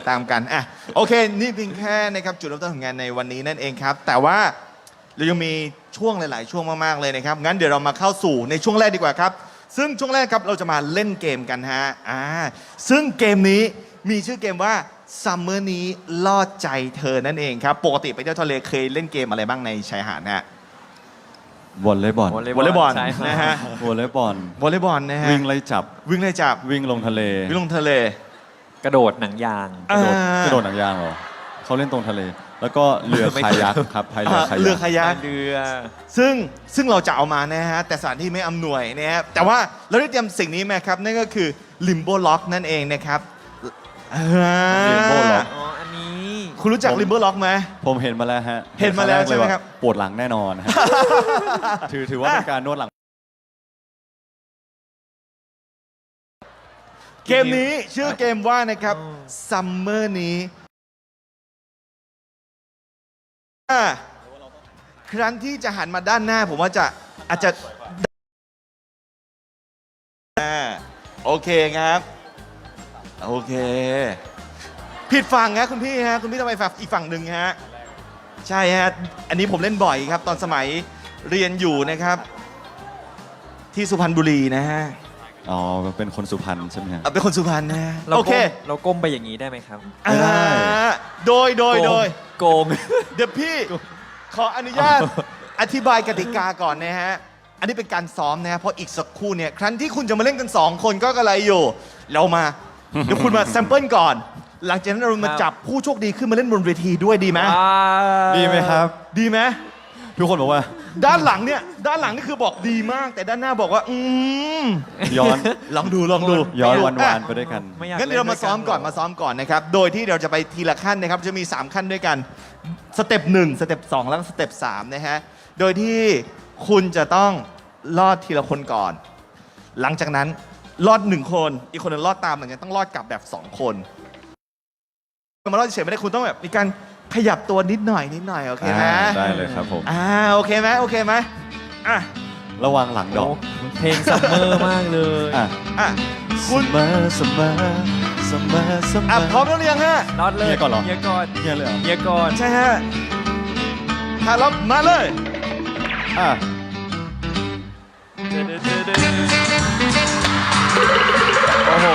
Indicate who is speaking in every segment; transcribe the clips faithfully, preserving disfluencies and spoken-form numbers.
Speaker 1: ตามกันอ่ะโอเคนี่เพียงแค่นะครับจุดเริ่มต้นของงานในวันนี้นั่นเองครับแต่ว่าเรายังมีช่วงหลาย ๆ ช่วงมากๆเลยนะครับงั้นเดี๋ยวเรามาเข้าสู่ในช่วงแรกดีกว่าครับซึ่งช่วงแรกครับเราจะมาเล่นเกมกันฮะอ่าซึ่งเกมนี้มีชื่อเกมว่าซัมเมอร์นี้ลอดใจเธอนั่นเองครับปกติไปเที่ยวทะเลเคยเล่นเกมอะไรบ้างในชายหาดฮะ
Speaker 2: วอลเลย์บอล
Speaker 1: วอลเลย์บอล
Speaker 3: ใช่ครับ
Speaker 1: นะฮะ
Speaker 2: วอลเลย์บอล
Speaker 1: วอลเลย์บอลนะฮะ
Speaker 2: วิ่งไล่จับ
Speaker 1: วิ่งไล่จับ
Speaker 2: วิ่งลงทะเล
Speaker 1: วิ่งลงทะเล
Speaker 3: กระโดดหนังยาง
Speaker 2: กระโดด
Speaker 1: อ่าก
Speaker 2: ระโดดหนังยางเหรอเขาเล่นตรงทะเล แล้วก็เรือคายักครับพายเรือคา
Speaker 1: เรือ
Speaker 2: ยัก
Speaker 1: คายัก
Speaker 3: เรือ
Speaker 1: ซึ่งซึ่งเราจะเอามานะฮะแต่สถานที่ไม่อำนวยนะฮะแต่ว่าเราได้เตรียมสิ่งนี้มาครับนั่นก็คือ Limbo Lock นั่นเองนะครับอ่า
Speaker 2: Limbo Lock
Speaker 3: อ๋ออันนี้
Speaker 1: คุณรู้จัก Limbo Lock ไหม
Speaker 2: ผมเห็นมาแล้วฮะ
Speaker 1: เห็นมาแล้วใช่ไหมครับ
Speaker 2: ปวดหลังแน่นอนฮะ ถือถือว่าเป็นการนวดหลัง
Speaker 1: เกมนี้ชื่อเกมว่านะครับ Summer นี้อ่าครั้นที่จะหันมาด้านหน้าผมว่าจะอาจจะอ่าโอเคครับ โอเค ผิดฝั่งฮะคุณพี่ฮะคุณพี่ต้องไปฝั่งอีกฝั่งหนึ่งฮะใช่ฮะอันนี้ผมเล่นบ่อยครับ ตอนสมัยเรียนอยู่นะครับ ที่สุพรรณบุรีนะฮะ
Speaker 2: อ๋อ เป็นคนสุพรรณใช่ไหมฮะ
Speaker 1: เอาเป็นคนสุพรรณนะฮะ
Speaker 3: เรา
Speaker 1: โอเค
Speaker 3: ก้มเราก้มไปอย่างนี้ได้ไหมครับ
Speaker 2: ไม่ได้
Speaker 1: อ่าโดยโดยโดย
Speaker 3: โกง
Speaker 1: เดี๋ยวพี่ขออนุญาตอธิบายกติกาก่อนนะฮะ อันนี้เป็นการซ้อมนะฮะเพราะอีกสักครู่เนี่ยครั้นที่คุณจะมาเล่นกัน สอง คนก็กระไรอยู่ เรามา เดี๋ยวคุณมาแซมเปิลก่อน หลังจากนั้นเรามาจับผู้โชคดีขึ้นมาเล่นบนเวทีด้วยดีไหม
Speaker 2: ดีไหมครับ
Speaker 1: ดีไหม
Speaker 2: ทุกคนบอกว่า
Speaker 1: ด้านหลังเนี่ยด้านหลังนี่คือบอกดีมาก แต่ด้านหน้าบอกว่า อืม
Speaker 2: ย้อน
Speaker 1: ลองดูลองดู
Speaker 2: ย้อน
Speaker 1: ลงดู
Speaker 2: วันวาน
Speaker 1: อ่ะ
Speaker 2: ไปด้วยกัน
Speaker 3: ไม่อยาก
Speaker 1: งั้นเดี๋ยวเรามาซ้อมก่อน
Speaker 3: ล่
Speaker 1: มาซ้อมก่อนนะครับ โดยที่เราจะไปทีละขั้นนะครับ จะมี สาม ขั้นด้วยกัน สเต็ปหนึ่งสเต็ปสองแล้วก็สเต็ปสามนะฮะ โดยที่คุณจะต้องลอดทีละคนก่อน หลังจากนั้นลอดหนึ่งคน อีกคนหนึงลอดตามหลังจากนั้นต้องลอดกลับแบบสองคนมาลอดเฉยๆไม่ได้คุณต้องแบบมีการขยับตัวนิดหน่อยนิดหน่อยโอเคไหม
Speaker 2: อ่าได้เลยครับผม
Speaker 1: อ่าโอเคไหมโอเคไหมอ่ะ
Speaker 2: ระวังหลังดอก
Speaker 3: เพลงซัมเมอร์มากเลย
Speaker 2: อ่ะ
Speaker 1: อ่ะคุณ
Speaker 2: เสมอเสมอเสมอเสม
Speaker 1: อ่ะ
Speaker 2: อ
Speaker 1: พร้อมแล้วหรือยังฮะ
Speaker 3: นอดเลย
Speaker 2: เฮียก่อนเหรอ
Speaker 3: เฮียก่อน
Speaker 2: เฮียเลยเหรอ
Speaker 3: เฮียก่อน
Speaker 1: ใช่ฮะถ้ารับมาเลย
Speaker 2: อ่ะ
Speaker 3: โอ้โห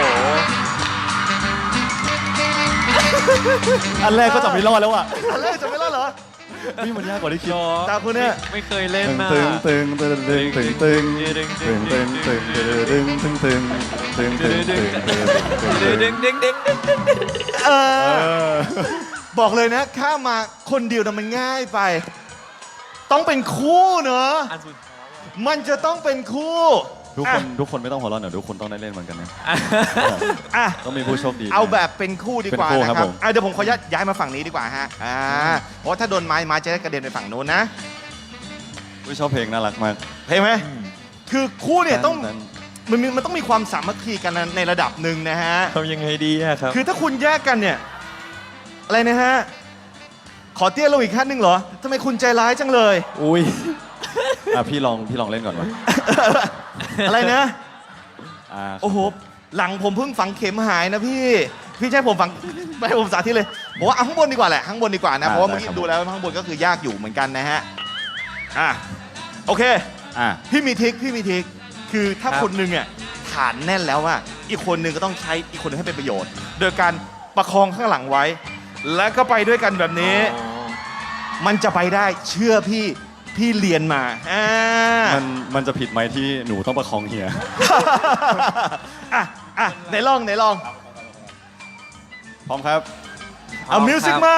Speaker 2: อันแรกก็จะไม่รอดแล้วอ่ะ
Speaker 1: อันแรกจะไม่รอดเหรอ
Speaker 2: นี่มันยากกว่าที่คิด
Speaker 1: ตาคุณเนี่ย
Speaker 3: ไม่เคยเล่น
Speaker 2: ตึง
Speaker 3: นะ
Speaker 2: ตึงตึงตึงตึงตึงตึงตึงตึงตึงตึงตึงตึงตึงตึงตึงตึงตึงตึง
Speaker 3: ดึงดึงดึงดึงดึง
Speaker 1: เอ
Speaker 2: เอ
Speaker 1: อ
Speaker 2: อ
Speaker 1: บอกเลยนะข้ามมาคนเดียวนะมันง่ายไป ต้องเป็นคู่เนอะ
Speaker 3: อันสุด
Speaker 1: มันจะต้องเป็นคู่
Speaker 2: ทุกคนทุกคนไม่ต้องหัวเราะหน่อยทุกคนต้องได้เล่นเหมือนกันนะ
Speaker 1: อ่ะ
Speaker 2: ต้องมีผู้โชคดี
Speaker 1: เอาแบบเป็นคู่ดีกว่า
Speaker 2: เป็นคู่
Speaker 1: นะค
Speaker 2: ครั
Speaker 1: รับบ
Speaker 2: ผม
Speaker 1: อ่ะเดี๋ยวผมขอย้ายย้ายมาฝั่งนี้ดีกว่าฮะอ่าเพราะว่าถ้าโดนไม้ไม้จะได้กระเด็นไปฝั่งโน้นนะ
Speaker 2: ผู้ชอบเพลงน่ารักมาก
Speaker 1: เห็นไหมคือคู่เนี่ยต้อง
Speaker 2: นั้น
Speaker 1: มันมีมันต้องมีความสามัคคีกันในระดับหนึ่งนะฮะ
Speaker 3: ทำยังไงดีอะครับ
Speaker 1: คือถ้าคุณแยกกันเนี่ย อะไรนะฮะ ขอเตี้ยลงอีกขั้นหนึ่งเหรอทำไมคุณใจร้ายจังเลย
Speaker 3: อุ้ย
Speaker 2: อ่ะพี่ลองพี่ลองเล่นก่อนวะ
Speaker 1: อะไรนะ
Speaker 2: อ่า
Speaker 1: โอ้โห หลังผมเพิ่งฝังเข็มหายนะพี่ พี่ใช่ผมฝัง ไม่ให้ผมสาธิตเลยผมว่าเอาข้างบนดีกว่าแหละ ข้างบนดีกว่านะ เพราะว่าเมื่อกี้ดูแล้วข้างบนก็คือยากอยู่เหมือนกันนะฮะ อ่ะ โอเค
Speaker 2: อ่ะ
Speaker 1: พี่มีทริคพี่มีทริคคือถ้า
Speaker 3: ครับ
Speaker 1: คนหนึงอ่ะฐานแน่นแล้วอ่ะอีกคนหนึงก็ต้องใช้อีกคนหนึงให้เป็นประโยชน์ โดยการประคองข้างหลังไว้ แล้วก็ไปด้วยกันแบบนี้
Speaker 3: อ๋อ
Speaker 1: มันจะไปได้เชื่อพี่พี่เรียนมาอ่า
Speaker 2: มันมันจะผิดไหมที่หนูต้องประคองเฮีย
Speaker 1: อ่ะอ่ะไหนลองไหนลอง
Speaker 2: พร้อมครับ
Speaker 1: เอามิวสิกมา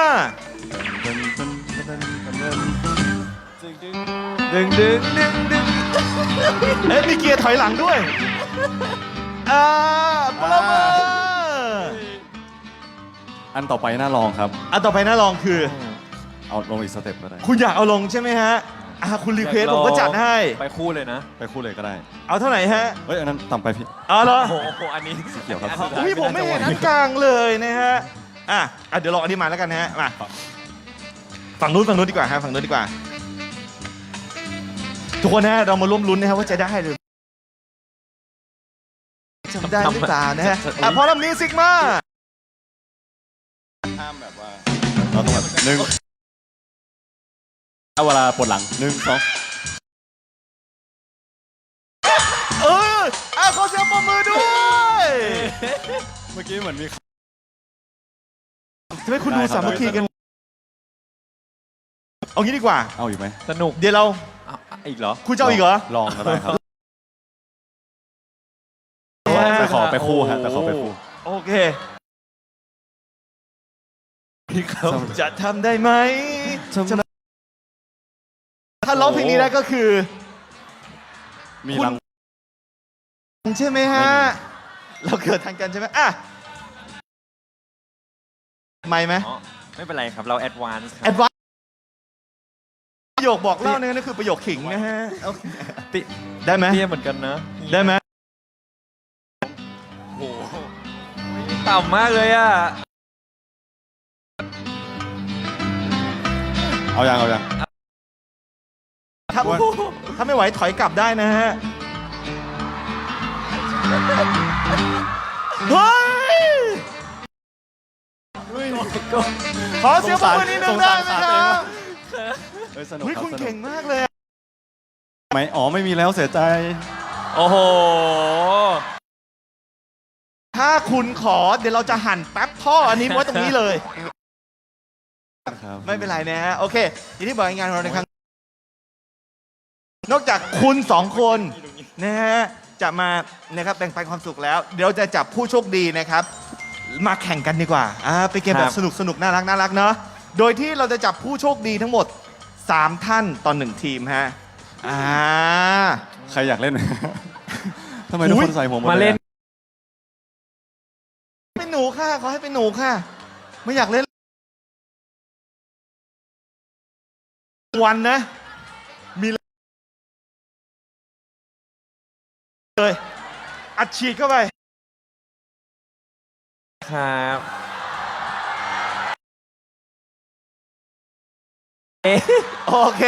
Speaker 3: ดึงดึงดึงดึง
Speaker 1: เอ๊ะมีเกียร์ถอยหลังด้วยอ่าปรบมือ
Speaker 2: อันต่อไปน่าลองครับ
Speaker 1: อันต่อไปน่าลองคือ
Speaker 2: เอาลงอีกสเต็ปก็ได้
Speaker 1: คุณอยากเอาลงใช่ไหมฮะอ่ะคุณรีเควสผมก็จัดให้
Speaker 3: ไปคู่เลยนะ
Speaker 2: ไปคู่เลยก็ได้
Speaker 1: เอาเท่าไหร่ฮะ
Speaker 2: เฮ้ยอันนั้นต่ำไปพี่
Speaker 1: เอาเหรอ
Speaker 3: โอ้โห อันนี้
Speaker 2: สีเขียวครับ
Speaker 1: อุ้ยผมไม่เห็นอันกลางเลยนะฮะ อ่ะอ่ะเดี๋ยวลองอันนี้มาแล้วกันนะฮะ มา ฝั่งนู้นฝั่งนู้นดีกว่าฮะฝั่งนู้นดีกว่า ทุกคนนะฮะเรามาร่วมลุ้นนะครับว่าจะได้หรือจะได้หรือเปล่านะฮะ อ่ะพอแล้วมิวสิกมา
Speaker 2: ห้ามแบบว่าเราต้องแบบหนึ่งเอาเวลาปวดหลังหนึ่งสอง
Speaker 1: เอออ่ะขอเสียงปรบมือด้วย
Speaker 2: เมื่อกี้เหมือนมี
Speaker 1: ทำไมคุณดูสามัคคีกันเอางี้ดีกว่า
Speaker 2: เอาอยู่ไหม
Speaker 3: สนุก
Speaker 1: เดี๋ยวเรา
Speaker 3: เอาอีกเหรอ
Speaker 1: คุณจะเอาอีกเหรอ
Speaker 2: ลองก็ได้ครับแต่ขอไปคู่ฮะแต่ขอไปคู่
Speaker 1: โอเคพี่เขาจะทำได้ไหมจะถ้าร้องเพลงนี้ได้ก็คือ
Speaker 2: มี
Speaker 1: คุณ
Speaker 2: ราง
Speaker 1: ใช่ไหมฮะ เราเกิดทันกันใช่ไหมอ่ะไม่ไหม
Speaker 3: อ๋อ ไม่เป็นไรครับ เราแอดวานซ์ค
Speaker 1: แอ
Speaker 3: รับ
Speaker 1: ดวานประโยคบอกเล่าเนี่ยนั่นคือประโยคขิงนะฮะโอเค
Speaker 3: ติ
Speaker 1: ได้ไหม
Speaker 3: เตี้ยเหมือนกันนะ
Speaker 1: ได้ไหม
Speaker 3: โอ้โหต่ำมากเลยอ่ะ
Speaker 2: เอายังเอายัง
Speaker 1: ถ้าถ้าไม่ไหวถอยกลับได้นะฮะเฮ้ยขอเสียงปรบมือนิดนึงได้ไหมครับ
Speaker 2: เฮ้ยสนุก
Speaker 1: เฮ้ย
Speaker 2: ครับ
Speaker 1: คุณ
Speaker 2: สนุก
Speaker 1: เก่งมากเลยอะ
Speaker 2: ไหมอ๋อไม่มีแล้วเสียใจ
Speaker 3: โอ้โห
Speaker 1: ถ้าคุณขอเดี๋ยวเราจะหั่นแป๊บท่ออันนี้ไว้ตรงนี้เลย
Speaker 2: ครับ
Speaker 1: ไม่เป็นไรนะฮะโอเคอย่างที่บอกงานของเราในครั้งนอกจากคุณสองคนนะฮะจะมานะครับแบ่งปันความสุขแล้ว เดี๋ยวจะจับผู้โชคดีนะครับ มาแข่งกันดีกว่าอ่าเป็นเกมแบบสนุกสนุกน่ารักน่ารักเนาะโดยที่เราจะจับผู้โชคดีทั้งหมดสามท่านต่อหนึ่งทีมฮะอ่า
Speaker 2: ใครอยากเล่น ทำไมทุกคนใส่หัวหมด
Speaker 3: มาเล่น
Speaker 2: ยอะ
Speaker 1: เป็นหนูค่ะขอให้เป็นหนูค่ะ ไม่อยากเล่นวันนะมีเลยอัดฉีดเข้าไป
Speaker 3: ครับ เอ๊ะ
Speaker 1: โอเค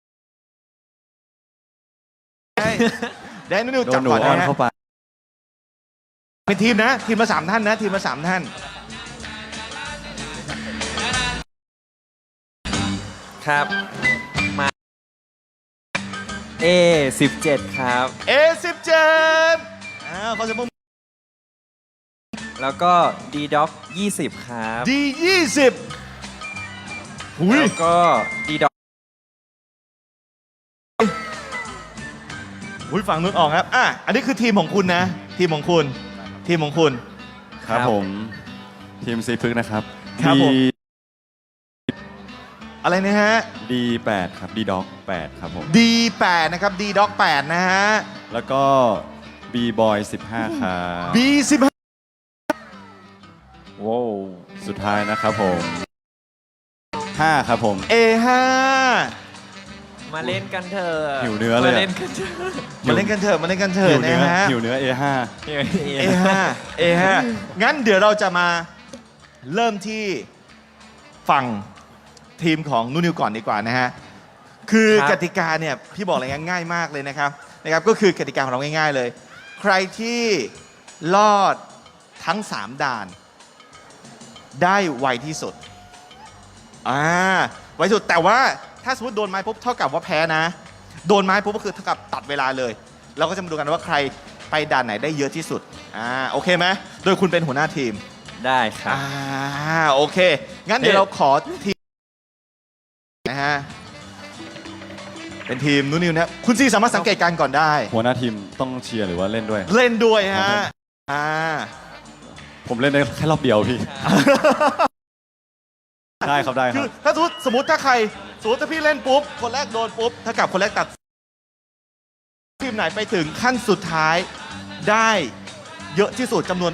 Speaker 1: ได้นุ่นๆ
Speaker 2: โด
Speaker 1: จั
Speaker 2: น
Speaker 1: บ
Speaker 2: หนู
Speaker 1: ก่อน
Speaker 2: อ้อน
Speaker 1: นะฮะ
Speaker 2: เข้าไป
Speaker 1: เป็นทีมนะ ทีมละสามท่านนะ ทีมละสามท่าน
Speaker 3: ครับ มา เอสิบเจ็ดครับ
Speaker 1: เอสิบเจ็ดอ่าขอเสียงปรบมือ
Speaker 3: แล้วก็ ดีด็อกยี่สิบครับ
Speaker 1: ดียี่สิบหุย
Speaker 3: แล้วก็ ดีด็อก
Speaker 1: หุยฝั่งนู้นออกครับอ่ะอันนี้คือทีมของคุณนะ ทีมของคุณ ทีมของคุณ
Speaker 2: ครับผม ทีมซีพึกนะครับ
Speaker 1: ครับผม
Speaker 2: ดี
Speaker 1: อะไรนะฮะ
Speaker 2: ดีแปดครับดีด็อกแปดครับผม
Speaker 1: ดีแปดนะครับ ดีด็อกแปดนะฮะ
Speaker 2: แล้วก็บีบอยสิบห้าครับ
Speaker 1: บีสิบห้า
Speaker 3: ว้าว
Speaker 2: สุดท้ายนะครับผมห้าครับผม
Speaker 1: เอห้า
Speaker 3: มาเล่นกันเถอะ
Speaker 2: หิวเนื้อเลยอะ
Speaker 3: มาเล่นกันเถอะ
Speaker 1: มาเล่นกันเถอะมาเล่นกันเถ
Speaker 2: หิ
Speaker 1: อะ
Speaker 2: วเนื้
Speaker 1: นะ
Speaker 2: อ
Speaker 1: ฮะ
Speaker 2: หิวเนื้อ เอ ห้า
Speaker 3: เอ
Speaker 1: เอห้าเอห้างั้นเดี๋ยวเราจะมาเริ่มที่ฝั่งทีมของนูนิวก่อนดีกว่านะฮะ คือกติกาเนี่ยพี่บอกเลยง่ายมากเลยนะครับนะครับ ก็คือกติกาของเราง่ายๆเลย ใครที่รอดทั้งสามด่าน ได้ไวที่สุดอ่าไวที่สุดแต่ว่าถ้าสมมติโดนไม้ปุ๊บเท่ากับว่าแพ้นะ โดนไม้ปุ๊บก็คือเท่ากับตัดเวลาเลย เราก็จะมาดูกันว่าใครไปด่านไหนได้เยอะที่สุดอ่าโอเคไหมโดยคุณเป็นหัวหน้าทีม
Speaker 3: ได้ครับ
Speaker 1: อ่าโอเค งั้นเดี๋ยวเราขอทีมนะฮะเป็นทีมนูนิวนะคุณซีสามารถสังเกตการณ์ก่อนได้
Speaker 2: หัวหน้าทีมต้องเชียร์หรือว่าเล่นด้วย
Speaker 1: เล่นด้วยฮะอ่า
Speaker 2: ผมเล่นได้แค่รอบเดียวพี่ ได้ครับได้ค
Speaker 1: คื
Speaker 2: รั
Speaker 1: อบ ถ้าสมมติสมมติถ้าใครสมมติถ้าพี่เล่นปุ๊บคนแรกโดนปุ๊บถ้ากับคนแรกตัดทีมไหนไปถึงขั้นสุดท้ายได้เยอะที่สุดจำนวน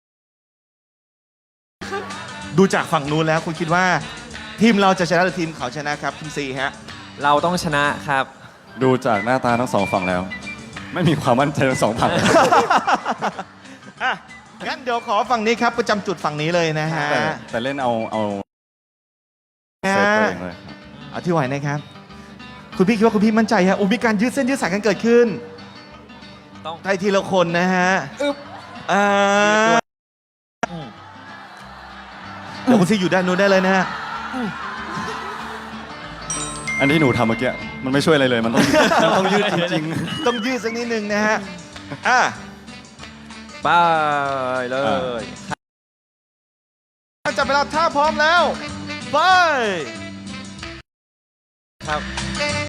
Speaker 1: ดูจากฝั่งนู้นแล้วคุณคิดว่า ทีมเราจะชนะหรือทีมเขาชนะครับคุณซีฮะ
Speaker 3: เราต้องชนะครับ
Speaker 2: ดูจากหน้าตาทั้งสองฝั่งแล้ว ไม่มีความมั่นใจทั้งสองฝั่ง
Speaker 1: อ่ะงั้นเดี๋ยวขอฝั่งนี้ครับประจำจุดฝั่งนี้เลยนะฮะ
Speaker 2: แต่แต่เล่นเอาเอาเซฟตัวเองเลยครับ
Speaker 1: เอาที่ไหวนะครับ คุณพี่คิดว่าคุณพี่มั่นใจฮะอุ้ยมีการยืดเส้นยืดสายกันเกิดขึ้น
Speaker 3: ต้อง
Speaker 1: ไทยทีละคนนะฮะ
Speaker 3: อึ๊บ
Speaker 1: อ่า
Speaker 3: อืม
Speaker 1: เดี๋ยวคุณซีอยู่ด้านนู้นได้เลยนะฮะ
Speaker 2: อันที่หนูทำเมื่อกี้มันไม่ช่วยอะไรเลย มันต้อง มันต้องยืดจริง
Speaker 1: ต้องยืดสักนิดนึงนะฮะอ่ะ
Speaker 3: ไปเลย
Speaker 1: จับเวลาถ้าพร้อมแล้วไป
Speaker 3: ครับ